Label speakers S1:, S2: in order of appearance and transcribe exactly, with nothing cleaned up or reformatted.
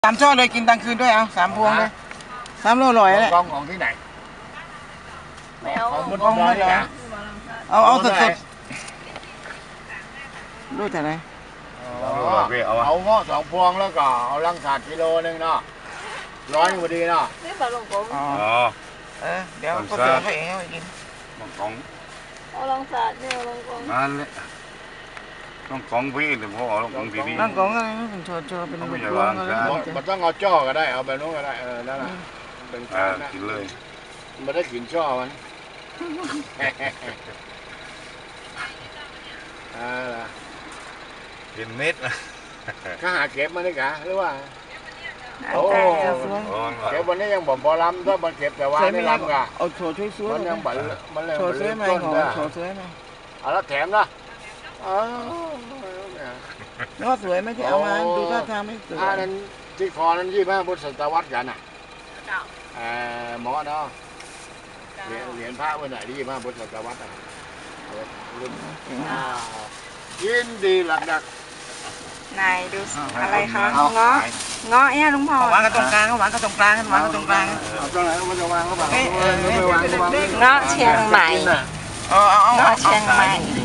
S1: สามช่อเลยกินตังคืนด้วยเอาสามพวงเลยสามโลลอยแหละ
S2: กองของที่ไหน
S3: ไม่เอา
S2: ของบน
S1: กอง
S2: ดอ
S1: ไม่
S2: ย
S1: เหรอ
S2: นะ
S1: เอาเอาสดสดรู้แต่ไหน
S2: เอาเงาะสองพวงแล้วก็เอาลังสาดกิโลนึงเนาะร้อยพอดีเนาะ
S3: ไม่ปลาลงกง
S1: อ๋อ
S4: อ๋อ
S1: เออเดี๋ยวก็เสือไปเองเอาไปกิน
S4: ต้องของ
S3: เอาลองสาดเนี่ยเอาลองกง
S4: นั่นแหละต้องของพี่เดี๋ยวพ่อเอาของพี่พี่
S1: นั่งกองอะไรนะเป็นโชว์โชว์เป็น
S4: เขาไม่
S1: พ
S4: ใช่
S1: ว
S4: วาง ง
S1: อะไร
S4: ใช่
S2: มันมันต้องเอาจ้อก็ได้เอาแบบนู้นก็ได้เออนั่นแหละเป็น
S4: อ่า
S2: การนะ
S4: กินเลย
S2: มันได้กลิ่นจ้อมันอ่า
S4: กินเม็ดนะ
S2: ข้าหาเก็บมาได้กะหรือว่า
S1: โอ้สวย
S4: อ๋อ
S2: เก็บวันนี้ยังบ่บ่ลำถ้ามันเก็บแต่ว่า
S1: สวย
S2: ไม่
S1: ไม่
S2: ลำกะ
S1: เอาโชว์ช่วยสวย
S2: มันยังบันมันเลย
S1: โชว์
S2: มัน
S1: สวยไหม
S2: ต้น
S1: ขอ
S2: ได้
S1: โชว์สวยไหม
S2: เอาแล้วแถมนะอ๋อ
S1: แล้วสวยไหมที่เอามาดูท่าทางไม่สวย
S2: ถ้านั้นที่คอนั้นยี่ห้าพุทธศตวรรษกันน่ะ
S3: เก่า
S2: เอ่อหมอเนาะเหรียญเหรียญพระวันไหนที่ยี่ห้าพุทธศตวรรษอ่ะรุ่นอ่ายินดีหลักดัก
S5: นายดูอะไรคะเงาะเงาะเนี่ยลุงพ่อ
S1: วางกันตรงกลางวางกันตรงกลางวางกันตรงกลาง
S2: เอาตรงไหนมันจะวางก็วาง
S1: เอ้ยเออ
S2: ไม่วางก็วาง
S5: เงาะเชียงใหม่
S1: เอาเอาเอา
S5: เงาะเชียงใหม่
S1: ดี